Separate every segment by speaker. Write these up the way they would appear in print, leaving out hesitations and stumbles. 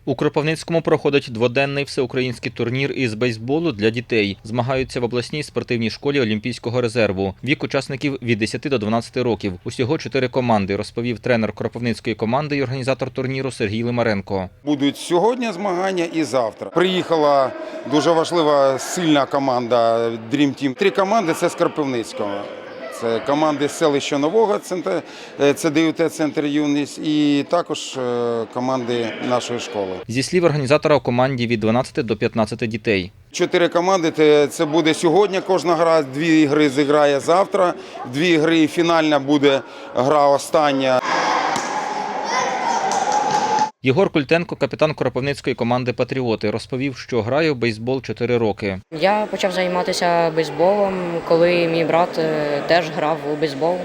Speaker 1: У Кропивницькому проходить дводенний всеукраїнський турнір із бейсболу для дітей. Змагаються в обласній спортивній школі Олімпійського резерву. Вік учасників від 10 до 12 років. Усього 4 команди, розповів тренер Кропивницької команди і організатор турніру Сергій Лимаренко.
Speaker 2: Будуть сьогодні змагання і завтра. Приїхала дуже важлива, сильна команда Dream Team. 3 команди – це з Кропивницького. Це команди з селища Нового, це ДЮТ-центр «Юність» і також команди нашої школи.
Speaker 1: Зі слів організатора, у команді від 12 до 15 дітей.
Speaker 2: 4 команди – це буде сьогодні кожна гра, 2 гри зіграє завтра, 2 гри фінальна буде гра остання.
Speaker 1: Єгор Культенко, капітан Кропивницької команди «Патріоти», розповів, що грає в бейсбол 4 роки.
Speaker 3: Я почав займатися бейсболом, коли мій брат теж грав у бейсбол.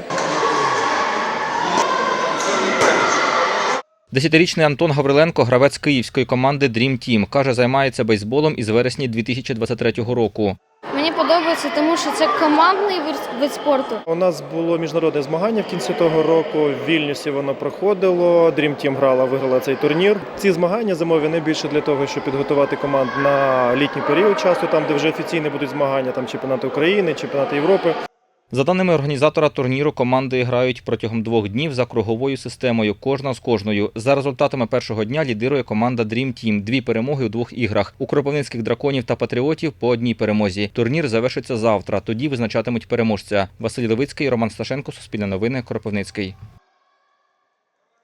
Speaker 1: 10-річний Антон Гавриленко – гравець київської команди Dream Team. Каже, займається бейсболом із вересня 2023 року.
Speaker 4: Мені подобається, тому що це командний вид спорту.
Speaker 5: У нас було міжнародне змагання в кінці того року. В Вільнюсі воно проходило. Dream Team виграла цей турнір. Ці змагання зимові найбільше для того, щоб підготувати команд на літній період часу, там де вже офіційні будуть змагання, там чемпіонати України, чемпіонати Європи.
Speaker 1: За даними організатора турніру, команди грають протягом 2 днів за круговою системою, кожна з кожною. За результатами першого дня лідирує команда Dream Team. 2 перемоги у 2 іграх. У кропивницьких драконів та патріотів по 1 перемозі. Турнір завершиться завтра. Тоді визначатимуть переможця. Василь Левицький, Роман Сташенко, Суспільне новини, Кропивницький.